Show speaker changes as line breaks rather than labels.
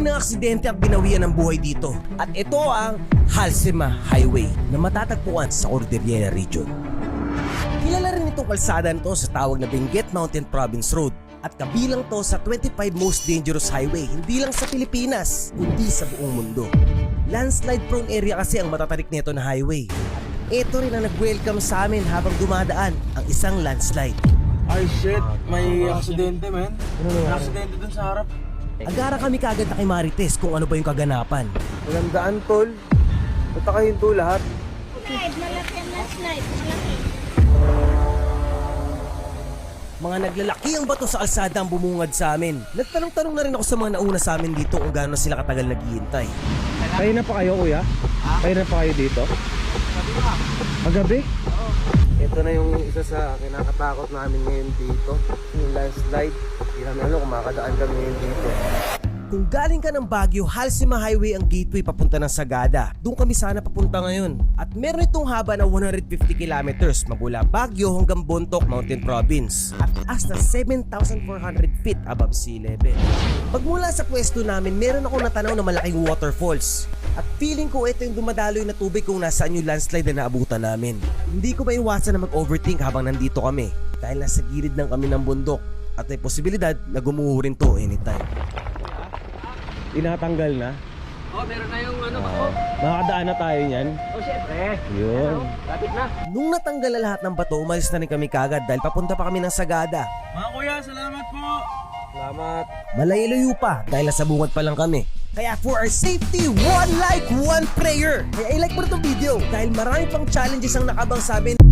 ng aksidente at binawian ng buhay dito. At ito ang Halsema Highway na matatagpuan sa Cordillera Region. Kilala rin itong kalsada nito sa tawag na Benguet Mountain Province Road at kabilang to sa 25 most dangerous highway hindi lang sa Pilipinas kundi sa buong mundo. Landslide prone area kasi ang matatarik nito na highway. Ito rin ang nag-welcome sa amin habang dumadaan ang isang landslide.
Ay shit, may aksidente man. May aksidente dun sa harap.
Agara kami kagad na kay Marites kung ano ba yung kaganapan.
Walang daan tol. Punta kayo hinto lahat.
Slide, malaki ang slide, malaki.
Mga naglalaki ang bato sa kalsada ang bumungad sa amin. Nagtanong-tanong na rin ako sa mga nauna sa amin dito kung gaano sila katagal naghihintay.
Kayo na pa kayo kuya? Kayo na pa kayo dito? Magabi? Ito na yung isa sa kinakatakot namin ngayon dito. Yung landslide. Hindi namin alam kung makakadaan kami ngayon dito.
Kung galing ka ng Baguio, Halsema Highway ang gateway papunta ng Sagada. Doon kami sana papunta ngayon. At meron itong haba na 150 kilometers magmula Baguio hanggang Bontoc Mountain Province at taas na 7,400 feet above sea level. Pagmula sa pwesto namin, meron ako natanaw na malaking waterfalls. At feeling ko ito yung dumadaloy na tubig kung nasaan yung landslide na naabutan namin. Hindi ko maiwasan na mag-overthink habang nandito kami dahil nasa gilid ng kami ng bundok at may posibilidad na gumuho rin to anytime.
Tinatanggal na?
Meron na yung ano ba?
Makakadaan na tayo niyan?
Syempre.
Yun.
Lapit na.
Nung natanggal na lahat ng bato, umalis na rin kami kagad dahil papunta pa kami ng Sagada.
Mga kuya, salamat po! Salamat.
Malayo-layo pa dahil nasa bungad pa lang kami. Kaya for our safety, one like, one prayer. Kaya i-like mo na itong video dahil marami pang challenges ang nakabang sa amin.